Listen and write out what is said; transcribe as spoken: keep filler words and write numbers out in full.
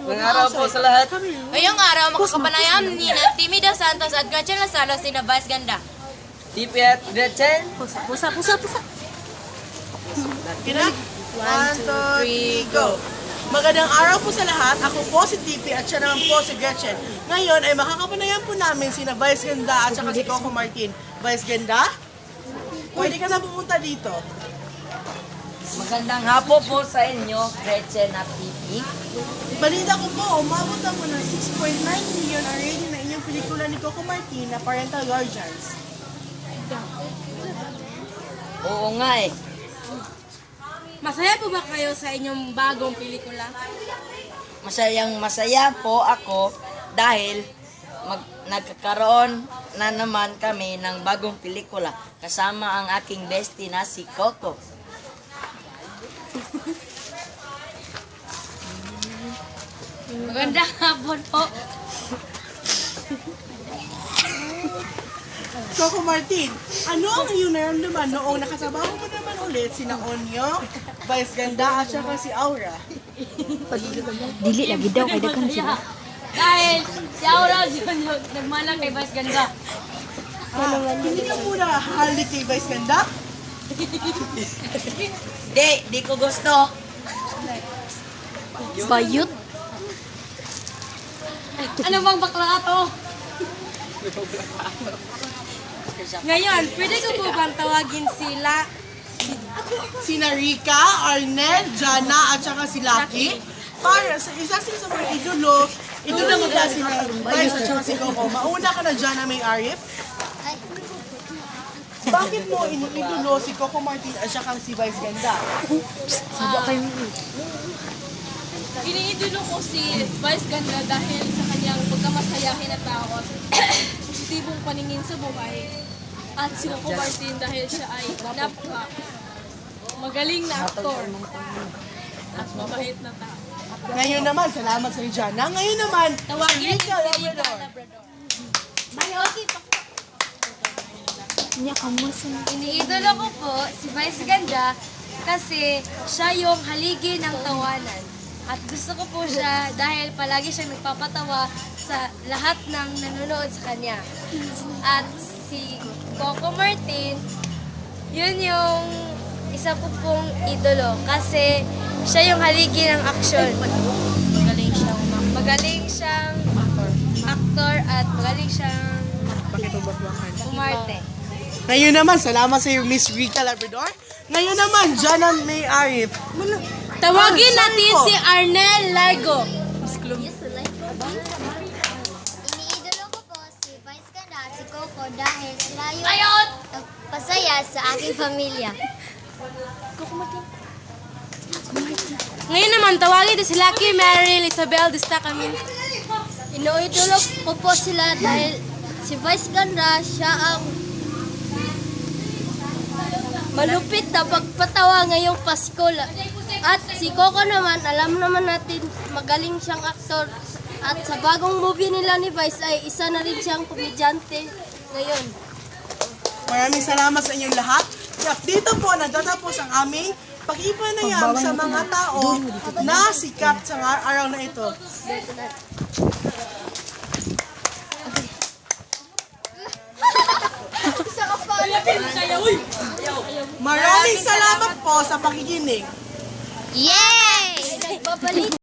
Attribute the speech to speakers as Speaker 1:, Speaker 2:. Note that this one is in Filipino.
Speaker 1: Ngayong araw po sa lahat.
Speaker 2: Ngayong araw, makakapanayam ni na Timmy Dos Santos at Gretchen Lazaro si na Vice Ganda.
Speaker 1: T P at Gretchen.
Speaker 3: Pusa, pusa, pusa, pusa.
Speaker 4: Kina? One, two, three, go! Magandang araw po sa lahat. Ako po si T P at siya naman po si Gretchen. Ngayon ay makakapanayan po namin sina Vice Ganda at saka si Coco Martin. Vice Ganda, pwede ka na pumunta dito.
Speaker 1: Magandang hapon po sa inyo, Gretchen at T P.
Speaker 4: Balita ko po, umabot na po ng six point nine million ang rating na inyong pelikula ni Coco Martin na Parental Guardians.
Speaker 1: Oo nga eh.
Speaker 3: Masaya po ba kayo sa inyong bagong pelikula?
Speaker 1: Masayang masaya po ako dahil mag, nagkakaroon na naman kami ng bagong pelikula kasama ang aking bestie na si Coco.
Speaker 3: Magandang hapon po.
Speaker 4: Coco Martin, ano ang iyong naramdaman noong nakasabaho mo naman ulit sina Onyo, Vice Ganda at saka si Aura?
Speaker 5: Dili lagi daw kay daghan sila.
Speaker 3: Dahil si Aura yun yung nagmana kay Vice Ganda.
Speaker 4: Ah, hindi ka muna halik kay Vice Ganda?
Speaker 1: Di, di ko gusto.
Speaker 5: Bayot.
Speaker 3: Ano bang bakla ka to? Ngayon, pwede ko po bang tawagin sila?
Speaker 4: Sina Rika, Arnel, Jana at saka si Lucky? Para sa isa sila sa mga idolo, idolo mo ba sila Vice at saka si Coco? Mauna ka na Jana May Arif? Bakit mo iniidolo si Coco Martin at saka si Vice Ganda?
Speaker 5: Subo kayo.
Speaker 3: Iniidolo ko si Vice Ganda dahil sa kanyang pagkamasayahin at takot, positibong paningin sa buhay, at si Coco Martin dahil siya ay napaka magaling na aktor at mabait na tao.
Speaker 4: Ngayon naman, salamat sa iyo, Jana. Ngayon naman, si
Speaker 3: Tawagin
Speaker 4: Rika
Speaker 3: si Rika
Speaker 4: Labrador.
Speaker 3: Labrador.
Speaker 5: Nya kamusta?
Speaker 2: Iniidolo ko po si Vice Ganda kasi siya yung haligi ng tawanan. At gusto ko po siya dahil palagi siya nagpapatawa sa lahat ng nanonood sa kanya. At si Coco Martin, yun yung isa ko pong idolo kasi siya yung haligi ng aksyon. Magaling siyang magaling siyang aktor at magaling siyang umarte.
Speaker 4: Ngayon naman, salamat sa iyo, Miss Rika Labrador. Ngayon naman, Jana May Arif.
Speaker 3: Tawagin
Speaker 4: Ah, sorry
Speaker 3: natin
Speaker 4: po.
Speaker 3: si Arnel Largo.
Speaker 6: Iniidolo ko po si Vice Ganda at si Coco dahil sila yung pasaya sa aking pamilya.
Speaker 3: Ngayon naman, tawagin natin si Lucky Meryl Isabel Destacamin.
Speaker 6: Iniidolo ko po sila dahil si Vice Ganda siya ang malupit na pagpatawa ngayong Pasko. At si Coco naman, alam naman natin, magaling siyang aktor. At sa bagong movie nila ni Vice ay isa na rin siyang komedyante ngayon.
Speaker 4: Maraming salamat sa inyong lahat. At dito po natatapos ang aming pakipanayam sa mga tao na sikat sa araw na ito. Maraming salamat po sa pakikinig.
Speaker 6: Yay! Babalik!